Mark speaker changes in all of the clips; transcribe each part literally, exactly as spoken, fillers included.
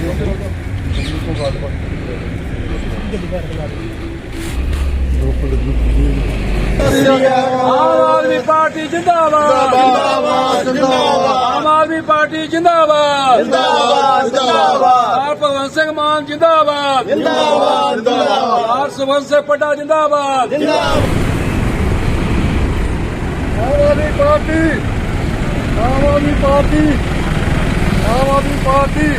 Speaker 1: आम आदमी पार्टी जिंदाबाद आम आदमी पार्टी जिंदाबाद भगवंत सिंह मान जिंदाबाद हरसवंत सिंह पड्डा जिंदाबाद आम आदमी पार्टी आम आदमी पार्टी आम आदमी पार्टी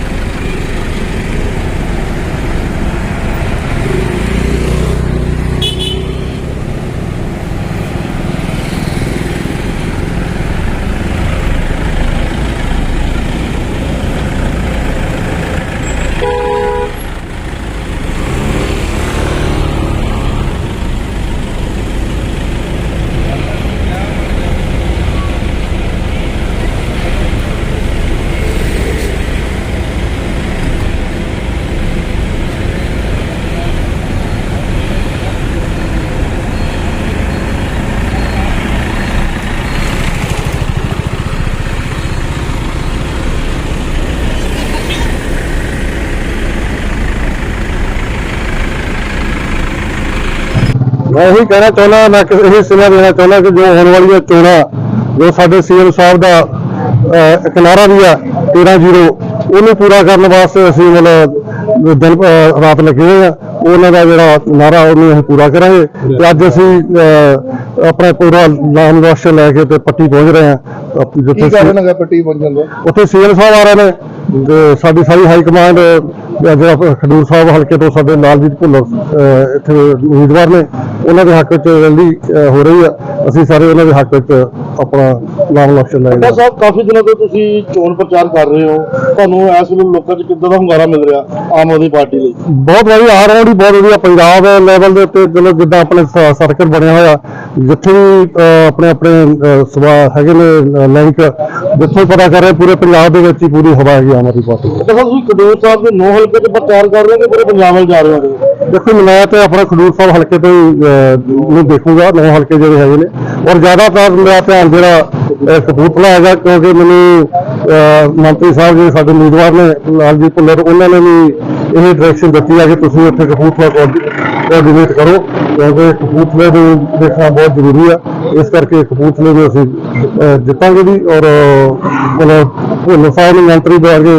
Speaker 1: मैं यही कहना चाहना मैं यही सुना देना चाहना कि जो होने वाली चोणा जो साडे सीएम साहब का एक नारा भी है तेरह जीरो उन्हें पूरा करने वास्ते असीं मतलब दिन रात लगे हुए हैं उन्होंने का जोड़ा नारा उन्हें असीं पूरा करांगे ते अज असीं अपना पूरा नाम राशन लैके ते पट्टी पहुंच रहे हैं पट्टी उत्थे सीएम साहब आ रहे हैं साडी सारी हाई कमांड खडूर साहब हल्के तो साडे लालजीत भुल्लर इत्थे उम्मीदवार ने उन्होंने के हक च रैली हो रही है असीं सारे उन्होंने हक च अपना नाम इलेक्शन लैंगे।
Speaker 2: साहब काफी दिनों तो तुसीं चोण प्रचार कर रहे हो तुहानूं इस वेले लोकां च किद्दां दा हुंगारा मिल रहा आम आदमी पार्टी लई?
Speaker 1: बहुत वधिया आ रहा बहुत वधिया पंजाब लैवल के उत्ते चलो जिद्दां अपने सर्कल बनया होया जिथे भी अपने अपने सभा हैगे ने लिंक जिथे पता कर रहे पूरे पंजाब दे विच ही पूरी हवा है आम आदमी पार्टी।
Speaker 2: तुसीं खडूर साहब के नौ हल्के च प्रचार कर रहे हो पूरे पंजाब में जा रहे हो?
Speaker 1: देखो मैं तो अपना खडूर साहब हल्के तो ही देखूंगा नौ हल्के जो है ने और ज्यादातर मेरा ध्यान जो कपूरथला है क्योंकि मैंने मंत्री साहब जी साडे उम्मीदवार ने लालजीत भुल्लर उन्होंने भी यही डायरेक्शन दी है कि तुसीं उत्थे कपूरथला कोआर्डिनेट करो क्योंकि कपूरथले को देखना बहुत जरूरी है इस करके कपूरथले में असीं जितांगे भी और मतलब भुल्लर साहब ने मंत्री दे आगे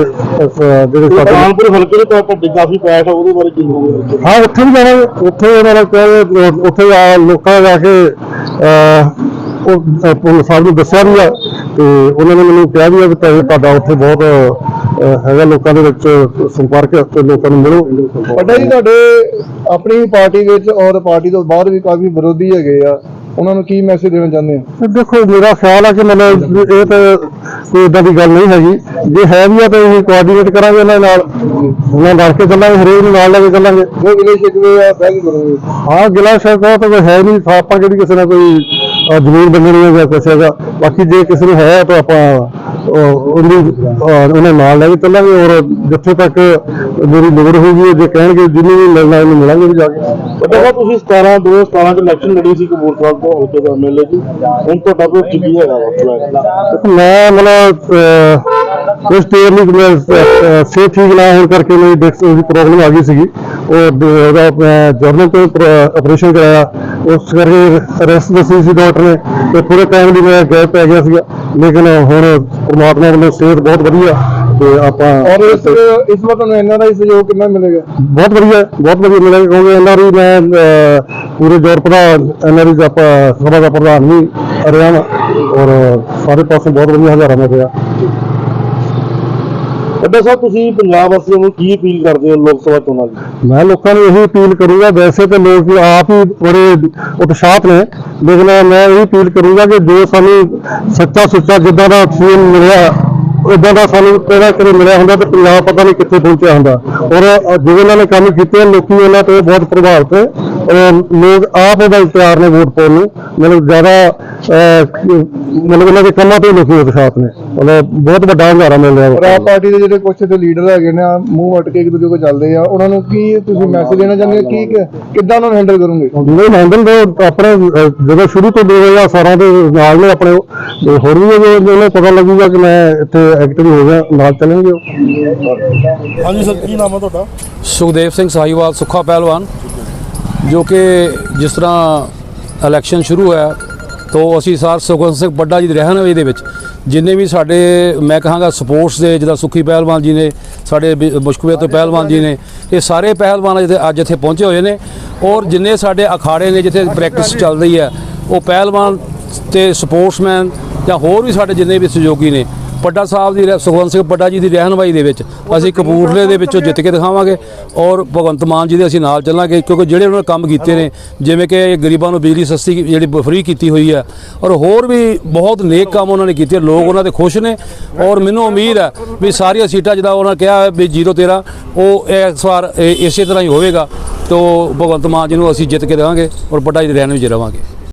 Speaker 2: कानपुर हल्के तो काफी पैठ है ਉਹਦੇ ਬਾਰੇ ਕੀ ਕਹੋਗੇ?
Speaker 1: हाँ उत्थे भी जाना उत्थे उन्होंने कहा उत्थे लोकां जाके भुल्लर साहब ने दस्सिया भी है तो उन्होंने मैंने कहा भी है कि तुहाडा उत्थे बहुत हैगा लोकां दे विच संपर्क ते लोकां नूं मिलो।
Speaker 3: पता जी तुहाडे अपनी पार्टी विच और पार्टी तो बाहर भी काफी विरोधी हैगे आ उन्होंने की मैसेज देना चाहते हैं?
Speaker 1: देखो मेरा ख्याल है कि मतलब ये तो कोई इदा की गल नहीं हैगी जे है भी है तो असीं कोआर्डिनेट करांगे उन्हां नाल उन्हां रल के चलांगे हरेक नूं नाल लैके चलांगे।
Speaker 3: वो गिले शिकवे आ बह के करोगे?
Speaker 1: हाँ गिला शिकवा तो कोई है नहीं आपां किहड़ी किसी ने कोई जमीन बंदनी है या कुछ है बाकी जे किसी ने है तो आपां उन्हें नाल लैके चलांगे और जिथे तक मेरी लोड़ होगी जे कहणगे जिन्नी भी मिलना उन्हें मिलांगे भी जाके।
Speaker 2: पता तुसीं सतारह दो हज़ार सतारह च इलेक्शन लड़ी सी कपूरथला तो हल्के का एमएलए जी हुण तुहाडा कोई की हैगा
Speaker 1: मैं मतलब कुछ देर नहीं सेहत ठीक ना होने करके मेरी डिस्क की प्रॉब्लम आ गई सी और जर्नल तो ऑपरेशन कराया उस करके रेस्ट दसी सी डॉक्टर ने तो थोड़े टाइम लिए मैं गैप पै गया सी लेकिन हुण परमात्मा वालों सेहत बहुत वधिया तो आप
Speaker 3: और इस इस वक्त एनआरआई सहयोग कितना मिलेगा?
Speaker 1: बहुत वधिया बहुत वधिया मिलेगा क्योंकि एनआरआई मैं पूरे यूरोप का एनआरआई सभा का प्रधान भी रहा और सारे पासों बहुत वधिया हजारा मिल रहा।
Speaker 2: पड्डा साहब तुसीं पंजाब वासियों नूं की अपील करदे हो लोक सभा चोणां लई?
Speaker 1: मैं लोगों को यही अपील करूंगा वैसे तो लोग आप ही बड़े उत्साहित ने लेकिन मैं यही अपील करूंगा कि जो सानू सच्चा सुच्चा जिद्दां दा सीएम मिलिया इदा का सानू कहना कदे मिलिया होंदा तो पंजाब पता नहीं कित्थे पहुंचा होंदा और जो उन्होंने काम कीते लोग उन्होंने तो बहुत प्रभावित है ਔਰ ਲੋਕ ਆਪ ਉਹਦਾ ਤਿਆਰ ਨੇ ਵੋਟ ਪਾਉਣ ਨੂੰ। ਮਤਲਬ ਜ਼ਿਆਦਾ ਅਹ, ਮਤਲਬ ਇਹਨਾਂ ਦੇ ਕੰਮਾਂ ਤੋਂ ਲੋਕੀ ਉਤਸ਼ਾਹਤ ਨੇ। ਮਤਲਬ ਬਹੁਤ ਵੱਡਾ ਹੁੰਗਾਰਾ ਮਿਲ ਰਿਹਾ
Speaker 3: ਪਰ ਆਪ ਪਾਰਟੀ ਦੇ ਜਿਹੜੇ ਕੁਛ ਤੇ ਲੀਡਰ ਹੈਗੇ ਨੇ, ਮੂੰਹ ਵੱਟ ਕੇ ਇੱਕ ਦੂਜੇ ਕੋਲ ਚੱਲਦੇ ਆ, ਉਹਨਾਂ ਨੂੰ ਕੀ ਤੁਸੀਂ ਮੈਸੇਜ ਦੇਣਾ ਚਾਹੁੰਦੇ ਹੋ? ਕੀ ਕਿੱਦਾਂ ਉਹਨਾਂ ਨੂੰ ਹੈਂਡਲ ਕਰੋਗੇ?
Speaker 1: ਨਹੀਂ ਹੈਂਡਲ ਦੇ ਆਪਣੇ ਅਹ, ਜਦੋਂ ਸ਼ੁਰੂ ਤੋਂ ਦੋ ਹਜ਼ਾਰ ਸਤਾਰਾਂ ਦੇ ਨਾਲ ਨੇ ਆਪਣੇ ਉਹ, ਤੇ ਹੋਰ ਵੀ ਜੇ ਉਹਨੂੰ ਪਤਾ ਲੱਗੂਗਾ ਕਿ ਮੈਂ ਇੱਥੇ ਐਕਟਿਵ ਹੋ ਗਿਆ, ਨਾਲ ਚੱਲਣਗੇ ਉਹ।
Speaker 2: ਹਾਂਜੀ ਸਰ, ਕੀ ਨਾਮ ਹੈ ਤੁਹਾਡਾ?
Speaker 4: ਸੁਖਦੇਵ ਸਿੰਘ ਸਾਹੀਵਾਲ ਸੁੱਖਾ ਪਹਿਲਵਾਨ, ਜੋ ਕਿ ਜਿਸ ਤਰ੍ਹਾਂ ਇਲੈਕਸ਼ਨ ਸ਼ੁਰੂ ਹੋਇਆ ਤੋਂ ਅਸੀਂ ਸਰ ਸੁਖਵੰਤ ਸਿੰਘ ਬੱਡਾ ਜੀ ਦੀ ਰਹਿਨੁਮਾਈ ਦੇ ਵਿੱਚ ਜਿੰਨੇ ਵੀ ਸਾਡੇ ਮੈਂ ਕਹਾਂਗਾ ਸਪੋਰਟਸ ਦੇ, ਜਿੱਦਾਂ ਸੁੱਖੀ ਪਹਿਲਵਾਨ ਜੀ ਨੇ, ਸਾਡੇ ਮੁਸ਼ਕਵੇ ਤੋਂ ਪਹਿਲਵਾਨ ਜੀ ਨੇ, ਇਹ ਸਾਰੇ ਪਹਿਲਵਾਨ ਜਿੱਥੇ ਅੱਜ ਇੱਥੇ ਪਹੁੰਚੇ ਹੋਏ ਨੇ। ਔਰ ਜਿੰਨੇ ਸਾਡੇ ਅਖਾੜੇ ਨੇ ਜਿੱਥੇ ਪ੍ਰੈਕਟਿਸ ਚੱਲ ਰਹੀ ਹੈ, ਉਹ ਪਹਿਲਵਾਨ ਤੇ ਸਪੋਰਟਸਮੈਨ ਜਾਂ ਹੋਰ ਵੀ ਸਾਡੇ ਜਿੰਨੇ ਵੀ ਸਹਿਯੋਗੀ ਨੇ, ਪੱਡਾ ਸਾਹਿਬ ਦੀ ਸੁਖਵੰਤ ਸਿੰਘ ਪੱਡਾ ਜੀ ਦੀ ਰਹਿਨੁਮਾਈ ਦੇ ਵਿੱਚ ਅਸੀਂ ਕਪੂਰਥਲੇ ਦੇ ਵਿੱਚੋਂ ਜਿੱਤ ਕੇ ਦਿਖਾਵਾਂਗੇ। ਔਰ ਭਗਵੰਤ ਮਾਨ ਜੀ ਦੇ ਅਸੀਂ ਨਾਲ ਚੱਲਾਂਗੇ, ਕਿਉਂਕਿ ਜਿਹੜੇ ਉਹਨਾਂ ਨੇ ਕੰਮ ਕੀਤੇ ਨੇ, ਜਿਵੇਂ ਕਿ ਗਰੀਬਾਂ ਨੂੰ ਬਿਜਲੀ ਸਸਤੀ ਜਿਹੜੀ ਫ੍ਰੀ ਕੀਤੀ ਹੋਈ ਹੈ, ਔਰ ਹੋਰ ਵੀ ਬਹੁਤ ਨੇਕ ਕੰਮ ਉਹਨਾਂ ਨੇ ਕੀਤੇ। ਲੋਕ ਉਹਨਾਂ ਦੇ ਖੁਸ਼ ਨੇ ਔਰ ਮੈਨੂੰ ਉਮੀਦ ਹੈ ਵੀ ਸਾਰੀਆਂ ਸੀਟਾਂ ਜਿੱਦਾਂ ਉਹਨਾਂ ਕਿਹਾ ਵੀ ਜ਼ੀਰੋ ਤੇਰਾਂ ਉਹ ਇਸ ਵਾਰ ਇਸੇ ਤਰ੍ਹਾਂ ਹੀ ਹੋਵੇਗਾ। ਤੋਂ ਭਗਵੰਤ ਮਾਨ ਜੀ ਨੂੰ ਅਸੀਂ ਜਿੱਤ ਕੇ ਦੇਵਾਂਗੇ ਔਰ ਪੱਡਾ ਜੀ ਦੀ ਰਹਿਨੁਮਾਈ 'ਚ ਰਵਾਂਗੇ।